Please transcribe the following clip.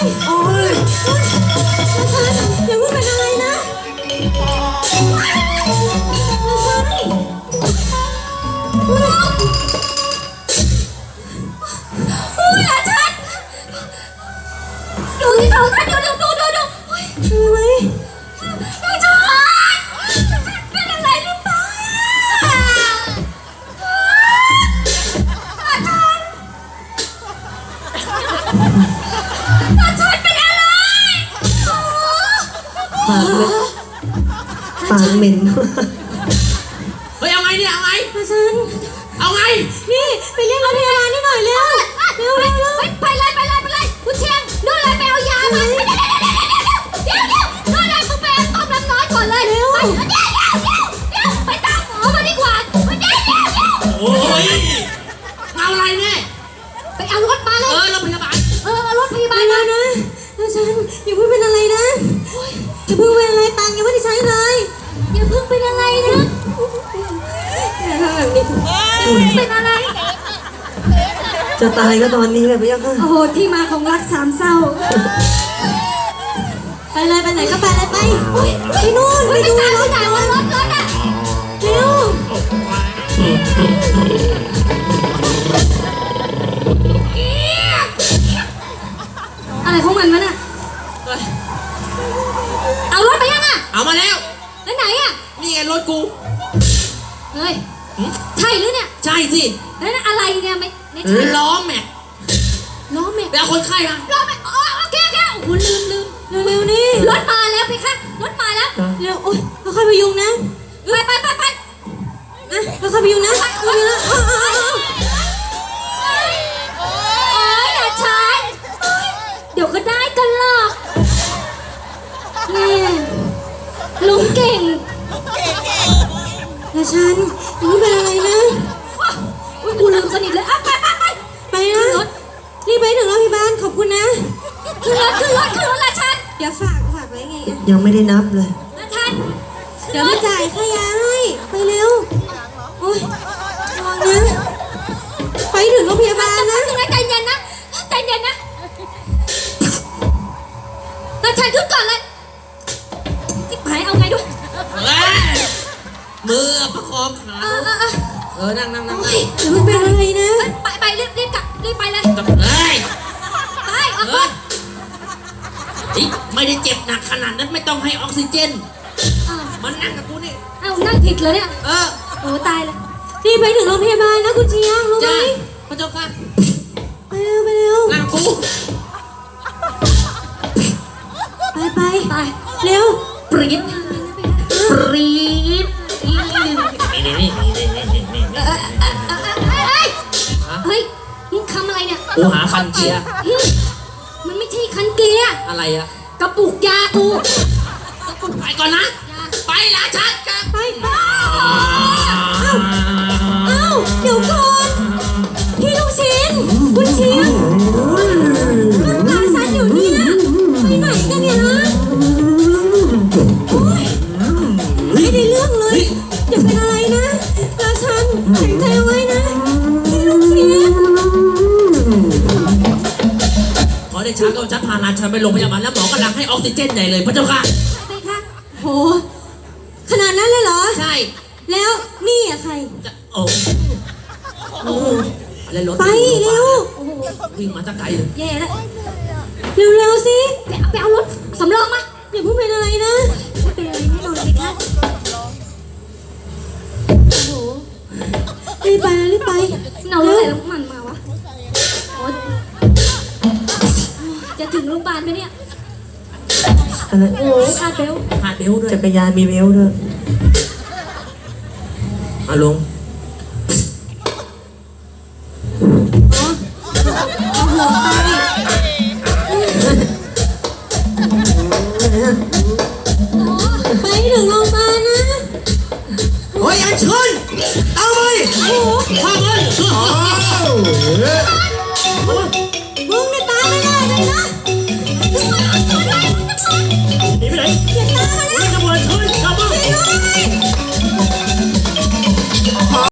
โอ้ยอย่าเพิ่งเป็นอะไรนะอุ้ยหลานฉันดูที่เขาท่านดูทำไมหลานฉันเป็นอะไรหรือเปล่าปากเหม็นเฮ้ยเอาไงเนี่ยเอาไงฉันเอาไงนี่ไปเรียกรถพยาบาลนี่หน่อยเร็วไปเลยคุณเชียงนู่นเลยไปเอายามาเดี๋ยวนู่นเลยมึงไปต้มน้ำร้อนก่อนเลยเร็วเดี๋ยวไปตามหมอมาดีกว่าเดี๋ยวโอ้ยเอาอะไรเนี่ยไปเอารถมาเลยรถพยาบาลเอารถพยาบาลมานะฉันอย่าเพิ่งเป็นอะไรนะอย่าเพิ่งเป็นอะไรตังค์ยังไม่ได้ใช้เลยอย่าเพิ่งเป็นอะไรนะอย่าทำแบบนี้เป็นอะไรจะตายก็ตอนนี้แหละพี่ยักษ์โอ้โหที่มาของรักสามเศร้าไปเลยไปไหนก็ไปเลยไปนู่นไปดูรถว่ารถอ่ะเร็วอะไรของมันวะน่ะเอารถไปยังอ่ะเอามาแล้วแล้วไหนอ่ะนี่ไงรถกูเฮ้ยใช่หรือเนี่ยใช่สิแล้วอะไรเนี่ยไม่ล้อแม็กแล้วคนไข้มาล้อแม็กโอเคโอ้โหลืมเร็วนี่รถมาแล้วพี่คะรถมาแล้วเร็วโอ๊ยค่อยๆพยุงนะไปนะค่อยๆพยุงนะโอ๊ยอย่าช้าเดี๋ยวก็ได้กันหรอกนี่ลุงเก่งแล้วฉันยังไม่เป็นอะไรนะอุ้ยกูลืมสนิทเลยไปนะรีบไปถึงโรงพยาบาลขอบคุณนะขึ้นรถละฉันเดี๋ยวฝากไว้ไงยังไม่ได้นับเลยละฉันเดี๋ยวมาจ่ายค่ายาให้ไปเร็วโอ๊ยระวังนะไปถึงโรงพยาบาลนะใจเย็นนะละฉันขึ้นก่อนเลยจิ๊บหายเอาไงด้วยมือประคองขานั่งอย่าเพิ่งเป็นอะไรนะไปรีบกลับรีบไปเลยไปออกก่อนไม่ได้เจ็บหนักขนาดนั้นไม่ต้องให้ออกซิเจนมันนั่งกับกูนี่นั่งผิดเลยเนี่ยโอ้ตายเลยรีบไปถึงโรงพยาบาลนะคุณเชียงรู้ไหมพระเจ้าค่ะไปเร็วนั่งกูไปเร็วปรี๊ดเฮ้ยมึงทำอะไรเนี่ยกูหาคันเกียร์มันไม่ใช่คันเกียร์อะไรอะกระปุกยากูไปก่อนนะไปละชัดกันไปเดี๋ยวก่อนพี่ลูกชิ้นคุณเชียงรถหลานฉันอยู่เนี่ยไปไหนกันเนี่ยนะไม่ได้เรื่องเลยอย่าเป็นอะไรนะหลานฉันแข็งใจไว้นะพี่ลูกชิ้นขอได้ช้าก็ชัดพาลานฉันไปโรงพยาบาลแล้วหมอกำลังให้ออกซิเจนใหญ่เลยพระเจ้าค่ะไปค่ะโหขนาดนั้นเลยเหรอใช่แล้วนี่อะใครโอ้อะไรรถไปเร็ววิ่งมาตั้งไกลเลยแย่แล้วเร็วสิไปเอารถสำรองมาอย่าเพิ่งเป็นอะไรนะไม่เป็นอะไรแน่นอนสิคะโอ้โหรีบไปเอารถอะไรแล้วมันมาวะจะถึงโรงพยาบาลไหมเนี่ยโอ้คาดเบลด้วยจักรยานมีเบลด้วยลงเอาหัวไปถึงโรงพยาบาลนะโอ้ยอันเชิญเอาไปข้ามัน